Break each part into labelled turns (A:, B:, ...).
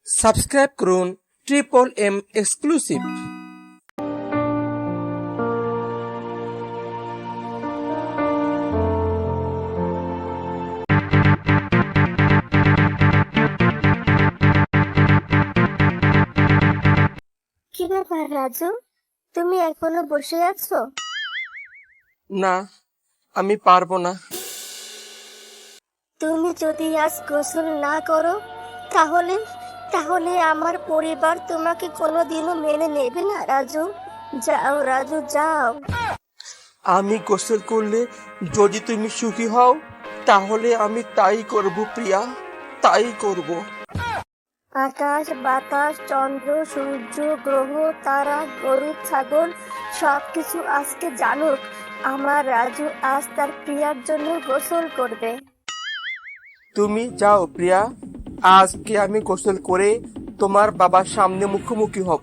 A: Subscribe করুন triple M exclusive.
B: কি ব্যাপার রাজু, তুমি এখনো বসে আছো?
A: না, আমি পারবো না।
B: তুমি যদি আজ গোসল না করো তাহলে তাহলে আমার পরিবার তোমাকে কোনোদিনও মেনে নেবে না রাজু। যাও রাজু, যাও।
A: আমি গোসল করলে যদি তুমি সুখী হও তাহলে আমি তাই করব প্রিয়া, তাই করব।
B: আকাশ বাতাস চন্দ্র সূর্য গ্রহ তারা গরু ছাগল সবকিছু আজকে জানুক আমার রাজু আজ তার প্রিয়ার জন্য গোসল করবে।
A: তুমি যাও প্রিয়া, আজকে আমি গোসল করে তোমার বাবার সামনে মুখোমুখি হব।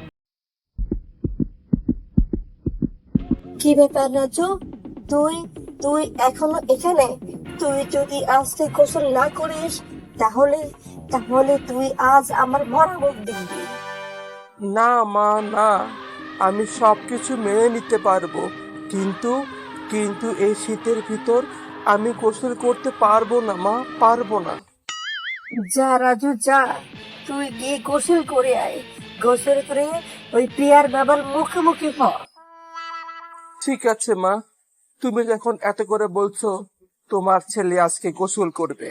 B: কি ব্যাপার রাজু, তুই তুই এখনো এখানে? তুই যদি আজকে গোসল না করিস তাহলে তাহলে তুই আজ আমার মরা মুখ দেখবি।
A: না মা, না, আমি সবকিছু মেনে নিতে পারবো, কিন্তু কিন্তু এই শীতের ভিতর আমি গোসল করতে পারবো না মা, পারবো না।
B: যা রাজু যা, তুই গিয়ে গোসল করে আয়। গোসল করে ওই প্রিয়ার বাবার মুখোমুখি হ।
A: ঠিক আছে মা, তুমি যখন এত করে বলছো তোমার ছেলে আজকে গোসল করবে।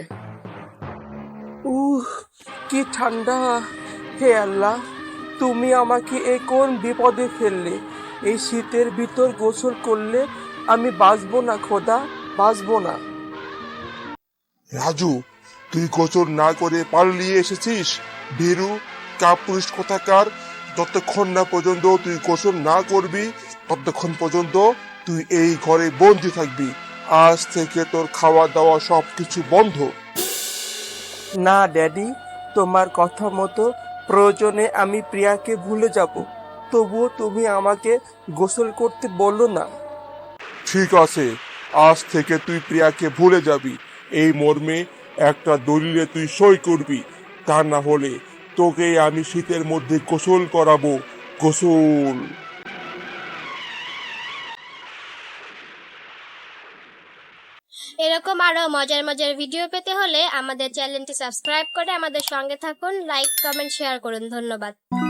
A: উহ, কি ঠান্ডা! হে আল্লাহ, তুমি আমাকে এই কোন বিপদে ফেললে? এই শীতের ভিতর গোসল করলে আমি বাঁচবো না খোদা, বাঁচবো না।
C: রাজু, তুই গোসল না করে পালিয়ে এসেছিস? ভীরু কাপুরুষ কোথাকার! যতক্ষণ না পর্যন্ত তুই গোসল না করবি ততক্ষণ পর্যন্ত তুই এই ঘরে বন্দি থাকবি। আজ থেকে তোর খাওয়া দাওয়া সবকিছু বন্ধ।
A: না ড্যাডি, তোমার কথা মতো প্রয়োজনে আমি প্রিয়াকে ভুলে যাব, তবুও তুমি আমাকে গোসল করতে বললো না।
C: ঠিক আছে, আজ থেকে তুই প্রিয়াকে ভুলে যাবি। এই মর্মে একটা দলিলে তুই সই করবি, তা না হলে তোকে আমি শীতের মধ্যে গোসল করাবো। গোসল।
D: এরকম আরো মজার মজার ভিডিও পেতে হলে আমাদের চ্যানেলটি সাবস্ক্রাইব করে আমাদের সঙ্গে থাকুন। লাইক কমেন্ট শেয়ার করুন। ধন্যবাদ।